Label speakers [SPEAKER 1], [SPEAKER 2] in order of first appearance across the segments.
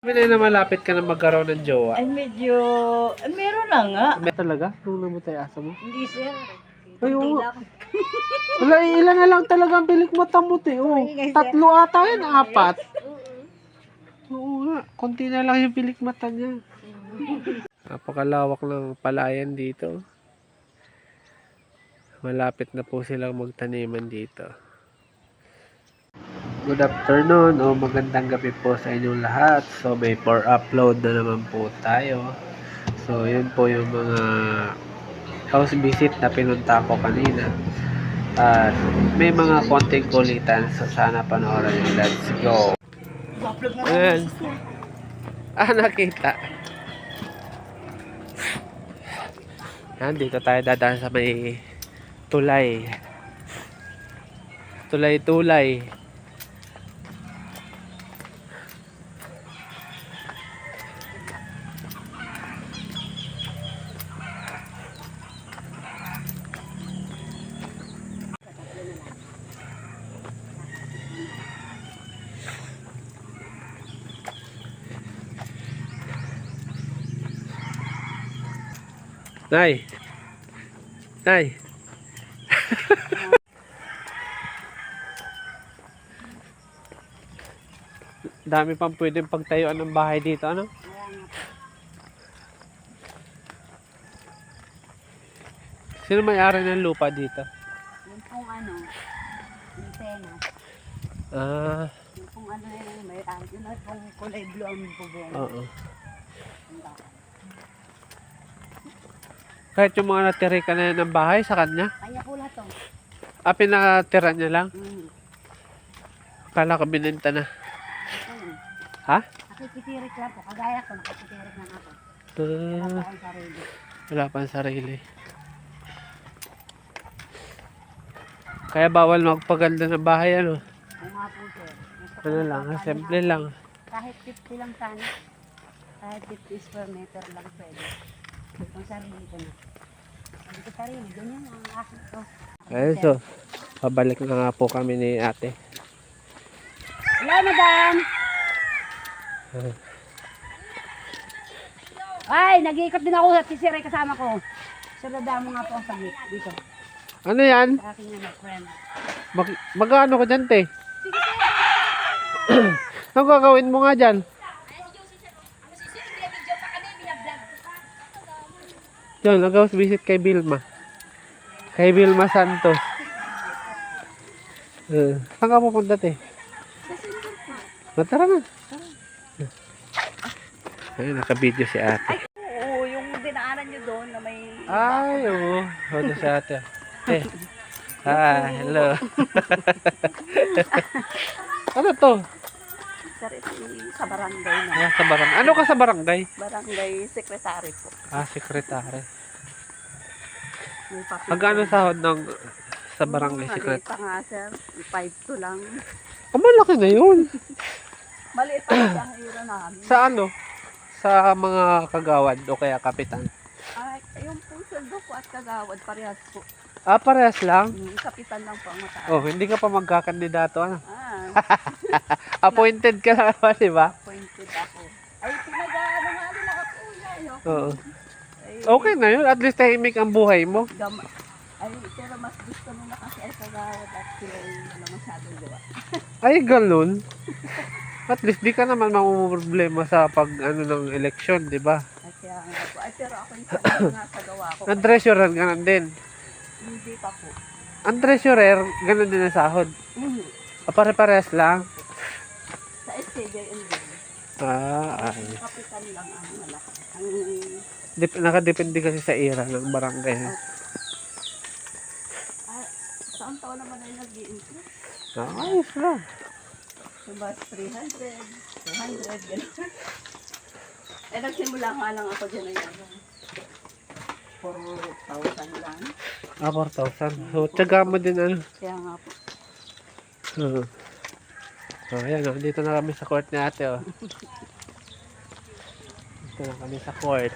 [SPEAKER 1] Sabi na malapit ka na magkaroon ng jowa.
[SPEAKER 2] Ay, medyo, meron na nga.
[SPEAKER 1] May talaga? Nung namatay asa mo?
[SPEAKER 2] Hindi, sir.
[SPEAKER 1] Ay, oo.
[SPEAKER 2] Hindi lang.
[SPEAKER 1] Wala, ilan na lang talaga ang pilik mata mo, te. Oh,
[SPEAKER 2] Ay,
[SPEAKER 1] 3 ata yan, 4. Oo nga, konti na lang yung pilik mata niya. Napakalawak ng palayan dito. Malapit na po silang magtaniman dito. Good afternoon o magandang gabi po sa inyong lahat. So may for upload na naman po tayo. So yun po yung mga house visit na pinunta ko kanina. At may mga konting kulitan. So sana panoorin nyo. Let's go. Ayan. Nakita. Ayan, dito tayo dadaan sa may tulay. Tulay-tulay. Nay. Nay. Dami pang pwedeng pagtayuan ng bahay dito, ano? Sino may-ari ng lupa dito?
[SPEAKER 2] Yung pong ano, yung pena. Yung pong ano yun, may yun ay pong kulay blue ang bubong.
[SPEAKER 1] Oo. Kahit yung mga natiri ka na ng bahay sa kanya?
[SPEAKER 2] Kanya po lahat to.
[SPEAKER 1] Pinatira niya lang? Kala ko binenta na. Ha?
[SPEAKER 2] Nakikitirik lang po. Kagaya ko, nakikitirik lang ako. Wala pa akong sarili.
[SPEAKER 1] Wala pang sarili. Kaya bawal magpaganda ng bahay, ano?
[SPEAKER 2] Oo nga po, sir.
[SPEAKER 1] Ano lang, simple lang.
[SPEAKER 2] Kahit 50 lang sana. Kahit 50 square meter lang pwede. Kung sarili ko na. Sabi ko sarili, ganyan ang akin to.
[SPEAKER 1] Ayun, so, pabalik na nga po kami ni ate.
[SPEAKER 2] Hello, madam! Ay, nag-iikot din ako sa tisiray kasama ko. Sunodaan mo nga po ang saglit dito.
[SPEAKER 1] Ano yan?
[SPEAKER 2] Sa aking friend.
[SPEAKER 1] Magkano ko dyan, te? Ano gagawin mo nga dyan? Diyan, nag-house visit kay Vilma. Kay Vilma Santos. Saan ka pupunta, te? Tara na. Ayun, naka-video si ate.
[SPEAKER 2] Oo, yung dinaanan nyo doon na may...
[SPEAKER 1] Ay, oo. Ito si ate. Hello. Ano to?
[SPEAKER 2] Sa barangay na.
[SPEAKER 1] Sa barangay. Ano ka sa barangay?
[SPEAKER 2] Barangay secretary po.
[SPEAKER 1] Sekretary.
[SPEAKER 2] May papel.
[SPEAKER 1] Magkano sahod ng sa barangay
[SPEAKER 2] Maliit
[SPEAKER 1] secretary?
[SPEAKER 2] pa nga, sir. 5 to lang.
[SPEAKER 1] Malaki na yun.
[SPEAKER 2] Maliit pa nga ang hira namin.
[SPEAKER 1] Sa ano? Sa mga kagawad o kaya kapitan?
[SPEAKER 2] Ay, yung po sweldo ko at kagawad, parehas po.
[SPEAKER 1] Parehas lang?
[SPEAKER 2] Kapitan lang po ang mataas.
[SPEAKER 1] Oh, hindi ka pa magkakandidato, ano?
[SPEAKER 2] Appointed.
[SPEAKER 1] Appointed ka na ba, di ba?
[SPEAKER 2] Appointed ako. Ay, pinag-ano nga din ako po yan.
[SPEAKER 1] Oo. Okay na yun. At least tahimik ang buhay mo.
[SPEAKER 2] Ay, pero mas gusto nila kasi ay kagawad at sila yung wala masyadong gawa.
[SPEAKER 1] Ay, ganun. At least di ka naman mamumroblema sa pag ano ng eleksyon, di ba?
[SPEAKER 2] Ay, kaya nga po. Ay, pero ako yung nga sa gawa ko.
[SPEAKER 1] Ang treasurer, ganun din.
[SPEAKER 2] Hindi pa po.
[SPEAKER 1] Ang treasurer, ganun din ang sahod. Pare-parehas lang.
[SPEAKER 2] Sa SCJND.
[SPEAKER 1] Ay.
[SPEAKER 2] Kapitan lang ang malaki.
[SPEAKER 1] Nakadepende kasi sa ira ng barangay.
[SPEAKER 2] Saan taon naman ay nag-i-increase?
[SPEAKER 1] Ayos lang.
[SPEAKER 2] Diba, 300, 200, gano'n. Nagsimula nga lang ako dyan na yan. 4,000 lang.
[SPEAKER 1] 4,000. So, tiyaga mo din ano.
[SPEAKER 2] Kaya nga po.
[SPEAKER 1] Ayan, dito na kami sa court ni ate, oh. Dito na kami sa court.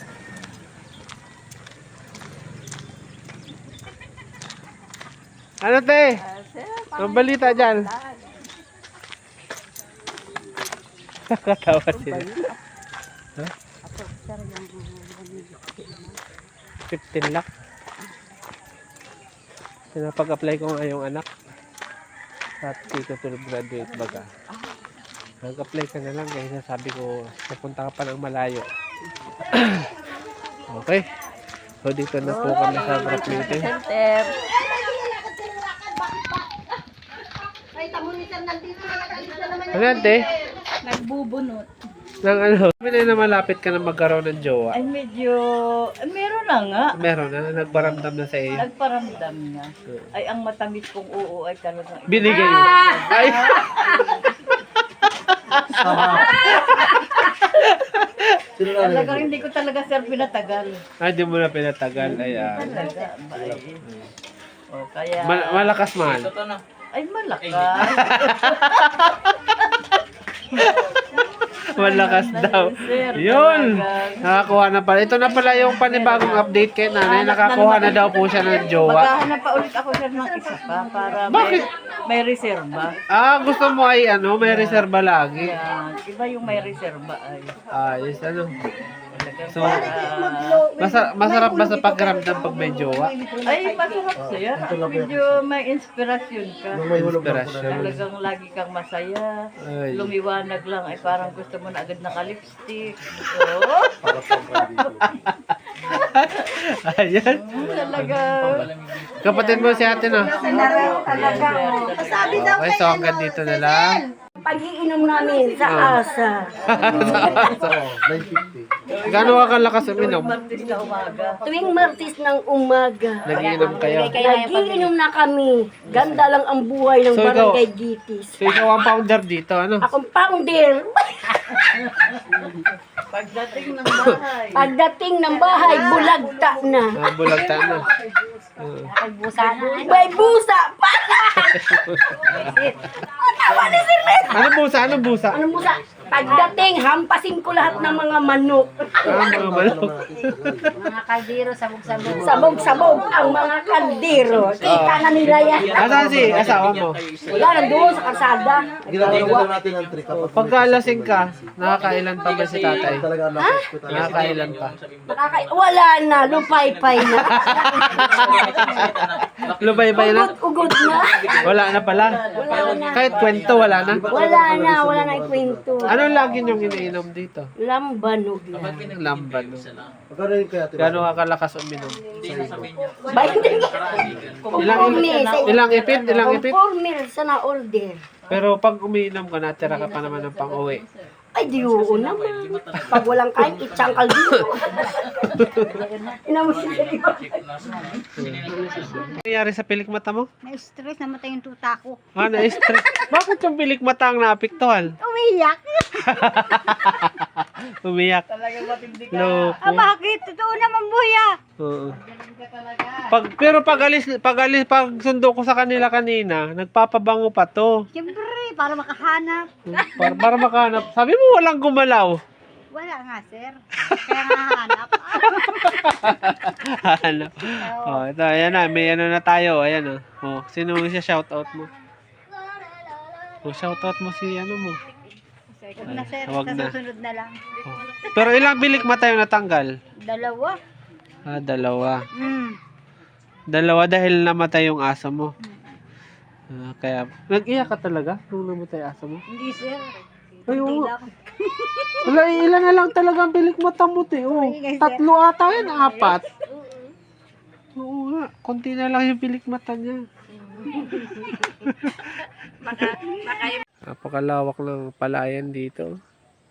[SPEAKER 1] Ano, te? Ang balita dyan? Nakakatawa sila. Ha?
[SPEAKER 2] Ako, sir, yung
[SPEAKER 1] 15 lakh. Pinapag-apply ko nga yung anak. At dito to graduate baga. Mag-apply ka na lang kaya sabi ko pupunta ka pa ng malayo. Okay. So dito na po kami sa group meeting.
[SPEAKER 2] Center.
[SPEAKER 1] Ano yan, te?
[SPEAKER 2] Nagbubunot.
[SPEAKER 1] Nang ano? Sabi na malapit ka na magkaroon ng jowa.
[SPEAKER 2] Ay, medyo, meron na nga.
[SPEAKER 1] Meron na, nagbaramdam na sa iyo.
[SPEAKER 2] Nagparamdam na. Ay, ang matamis kong oo ay talagang...
[SPEAKER 1] Binigay mo. Ay!
[SPEAKER 2] Talagang hindi ko talaga, sir, pinatagal.
[SPEAKER 1] Ay, di mo na pinatagal. Ay,
[SPEAKER 2] Talaga, ba O, kaya...
[SPEAKER 1] malakas man.
[SPEAKER 2] Ay, malakas.
[SPEAKER 1] Malakas daw.
[SPEAKER 2] Sir,
[SPEAKER 1] Yun!
[SPEAKER 2] talaga.
[SPEAKER 1] Nakakuha na pala. Ito na pala yung panibagong update kay nanay. Nakakuha na daw po siya ng jowa.
[SPEAKER 2] Maghahanap pa ulit ako, sir, ng isa pa para
[SPEAKER 1] Bakit?
[SPEAKER 2] may reserba.
[SPEAKER 1] Ah, gusto mo ay ano, may reserba lagi.
[SPEAKER 2] Yan. Iba yung may reserba ay.
[SPEAKER 1] Ayos, ano.
[SPEAKER 2] Talagang
[SPEAKER 1] So,
[SPEAKER 2] para-
[SPEAKER 1] masarap ba sa pagramdam pag may jowa?
[SPEAKER 2] ay, masarap sir. Medyo may inspirasyon ka.
[SPEAKER 1] Inspirasyon.
[SPEAKER 2] Talagang lagi kang masaya.
[SPEAKER 1] Ay.
[SPEAKER 2] Lumiwanag lang ay parang gusto mo na agad naka-lipstick. Oo.
[SPEAKER 1] Ayan.
[SPEAKER 2] Talaga.
[SPEAKER 1] Kapatid mo si ate, no?
[SPEAKER 2] Talaga.
[SPEAKER 3] Sabi daw
[SPEAKER 1] Okay, so hanggang dito na lang.
[SPEAKER 3] pag-iinom namin sa asa.
[SPEAKER 1] Gano'n ka kalakas uminom?
[SPEAKER 2] Martis na umaga.
[SPEAKER 3] Tuwing Martes ng umaga.
[SPEAKER 1] Nagiinom kayo.
[SPEAKER 3] Nagiinom na kami. Ganda lang ang buhay ng
[SPEAKER 1] So, ikaw-
[SPEAKER 3] Barangay Gitis.
[SPEAKER 1] So ikaw ang founder dito, ano?
[SPEAKER 3] Akong founder.
[SPEAKER 2] Pagdating ng bahay.
[SPEAKER 3] Pagdating ng bahay, bulagta na.
[SPEAKER 1] Bulagta na.
[SPEAKER 3] May busa pa.
[SPEAKER 1] Ano busa? Ano busa?
[SPEAKER 3] Ano busa? Pagdating, hampasin ko lahat ng mga manok.
[SPEAKER 1] Mga manok.
[SPEAKER 2] Mga kaldero, sabog-sabog.
[SPEAKER 3] Sabog-sabog ang mga kaldero. Kita na nila yan.
[SPEAKER 1] Asan si asawa mo?
[SPEAKER 3] Wala, nandoon sa kalsada.
[SPEAKER 1] Pagkalasing ka, nakakailan pa ba si tatay? Nakakailan pa.
[SPEAKER 3] Wala na, lupay-pay na.
[SPEAKER 1] Lubay-bay na?
[SPEAKER 3] Ugot-ugot na.
[SPEAKER 1] Wala na pala. Kahit kwento, wala na.
[SPEAKER 3] Wala na ikwento.
[SPEAKER 1] Ano lagi niyong iniinom dito?
[SPEAKER 3] Lambanog lang.
[SPEAKER 1] Lamban. Gano'n ka kalakas uminom? Ilang ipit? Ilang ipit?
[SPEAKER 3] Conformer sa na-order.
[SPEAKER 1] Pero pag umiinom ka, natira ka pa naman ng pang-uwi.
[SPEAKER 3] Ay, di oo naman. Pag walang kain, itsangkal dito. Inamusin sa iyo.
[SPEAKER 1] Ano nangyari sa pilik mata mo?
[SPEAKER 3] Na-stress, namatay yung tuta ko.
[SPEAKER 1] Ah, na-stress. Bakit yung pilik mata ang naapektuhan?
[SPEAKER 3] Umiyak.
[SPEAKER 1] Umiyak. Loko.
[SPEAKER 3] Bakit? Totoo naman, buya.
[SPEAKER 1] Oo. Pag sundo ko sa kanila kanina, nagpapabango pa to.
[SPEAKER 3] Siyempre, para makahanap.
[SPEAKER 1] Para makahanap. Sabi mo walang gumalaw.
[SPEAKER 3] Wala nga, sir. Kaya nga hanap.
[SPEAKER 1] Hanap. Oh, ito, ayan na. May ano na tayo. Ayan, oh. Oh, sino mo siya shoutout mo? Oh, shoutout mo si ano mo.
[SPEAKER 3] Huwag na, sir.
[SPEAKER 1] Huwag
[SPEAKER 3] Sa
[SPEAKER 1] na.
[SPEAKER 3] susunod na lang.
[SPEAKER 1] Oh. Pero ilang bilik mata yung natanggal?
[SPEAKER 3] Dalawa.
[SPEAKER 1] Ah, dalawa. Dalawa dahil namatay yung aso mo. Ah, kaya, nag-iyak ka talaga nung namatay aso mo?
[SPEAKER 3] Hindi, sir.
[SPEAKER 1] Ay, oo. Wala, ilan na lang talaga ang bilik mata mo, te. Oh, 3 ata yan, 4. Oo nga, konti na lang yung bilik mata niya. Napakalawak ng palayan dito.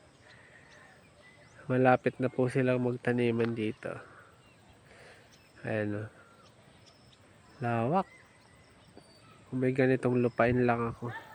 [SPEAKER 1] Malapit na po silang magtaniman dito. Ayan o. Lawak. Kung may ganitong lupain lang ako.